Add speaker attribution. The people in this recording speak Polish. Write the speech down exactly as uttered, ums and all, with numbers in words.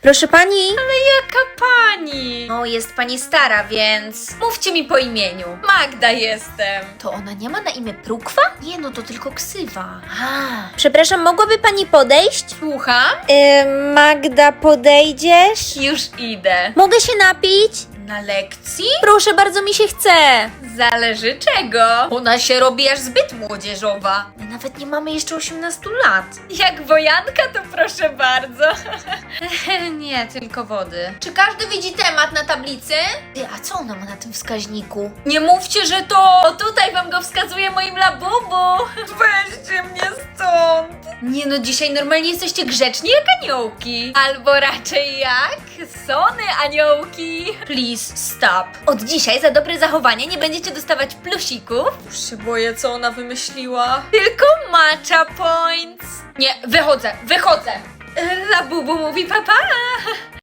Speaker 1: Proszę pani?
Speaker 2: Jaka pani?
Speaker 1: O, jest pani stara, więc...
Speaker 2: Mówcie mi po imieniu. Magda jestem.
Speaker 1: To ona nie ma na imię Prukwa?
Speaker 2: Nie no, to tylko ksywa.
Speaker 1: A. Przepraszam, mogłaby pani podejść?
Speaker 2: Słucham?
Speaker 1: Yy, Magda, podejdziesz?
Speaker 2: Już idę.
Speaker 1: Mogę się napić?
Speaker 2: Na lekcji?
Speaker 1: Proszę, bardzo mi się chce.
Speaker 2: Zależy czego. Ona się robi aż zbyt młodzieżowa.
Speaker 1: My nawet nie mamy jeszcze osiemnastu lat.
Speaker 2: Jak wojanka, to proszę bardzo. Nie, tylko wody.
Speaker 1: Czy każdy widzi temat na tablicy? Ty, a co ona ma na tym wskaźniku?
Speaker 2: Nie mówcie, że to... O, tutaj wam go wskazuje moim labubu. Weźcie mnie stąd. Nie no, dzisiaj normalnie jesteście grzeczni jak aniołki. Albo raczej jak sony aniołki. Please stop. Od dzisiaj za dobre zachowanie nie będziecie dostawać plusików. Już się boję, co ona wymyśliła. Tylko matcha points. Nie, wychodzę, wychodzę. Labubu mówi papa.